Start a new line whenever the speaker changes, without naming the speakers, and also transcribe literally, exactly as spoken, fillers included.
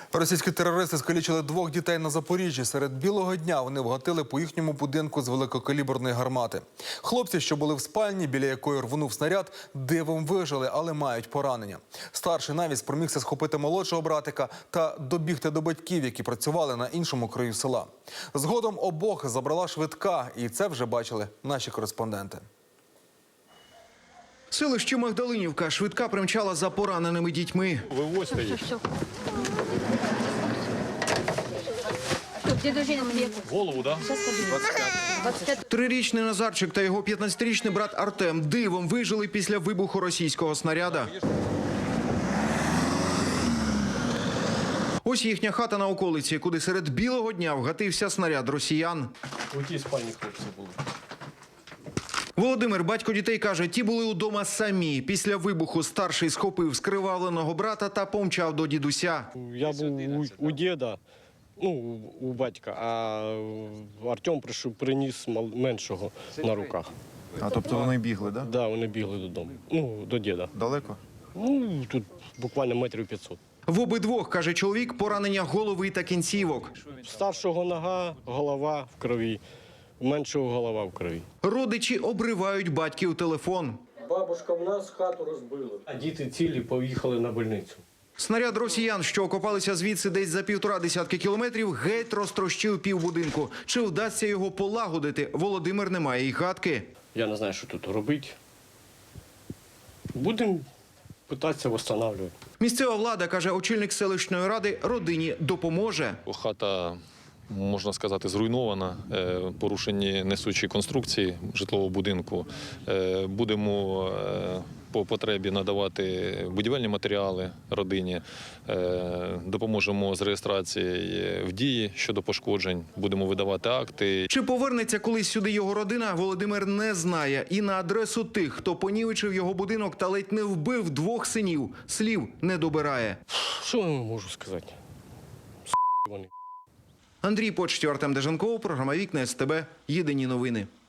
Російські терористи скалічили двох дітей на Запоріжжі. Серед білого дня вони вгатили по їхньому будинку з великокаліберної гармати. Хлопці, що були в спальні, біля якої рвонув снаряд, дивом вижили, але мають поранення. Старший навіть спромігся схопити молодшого братика та добігти до батьків, які працювали на іншому краю села. Згодом обох забрала швидка, і це вже бачили наші кореспонденти.
Селище Магдалинівка. Швидка примчала за пораненими дітьми.
Вивозьте їх. Голову, так?
Трирічний Назарчик та його п'ятнадцятирічний брат Артем дивом вижили після вибуху російського снаряда. Ось їхня хата на околиці, куди серед білого дня вгатився снаряд росіян.
У тій спальні хлопці були.
Володимир, батько дітей, каже, ті були удома самі. Після вибуху старший схопив скривавленого брата та помчав до дідуся.
Я був у, у діда, ну, у батька, а Артем прийшов, приніс мал- меншого на руках.
А тобто вони бігли, так? Да?
Да, вони бігли додому, ну, до діда.
Далеко?
Ну, тут буквально метрів п'ятсот.
В обидвох, каже чоловік, поранення голови та кінцівок.
Старшого нога, голова в крові, меншого голова в крові.
Родичі обривають батьків телефон.
Бабушка в нас хату розбила. А діти цілі поїхали на больницю.
Снаряд росіян, що окопалися звідси десь за півтора десятки кілометрів, геть розтрощив півбудинку. Чи вдасться його полагодити, Володимир не має й гадки.
Я не знаю, що тут робити. Будемо питатися встановлювати.
Місцева влада, каже очільник селищної ради, родині допоможе.
Хата, можна сказати, зруйнована, е, порушені несучі конструкції житлового будинку. Е, Будемо е, по потребі надавати будівельні матеріали родині, е, допоможемо з реєстрацією в дії щодо пошкоджень, будемо видавати акти.
Чи повернеться колись сюди його родина, Володимир не знає. І на адресу тих, хто понівечив його будинок та ледь не вбив двох синів, слів не добирає.
Що я можу сказати? С*** вони.
Андрій Почтів, Артем Деженков, програма «Вікна СТБ». Єдині новини.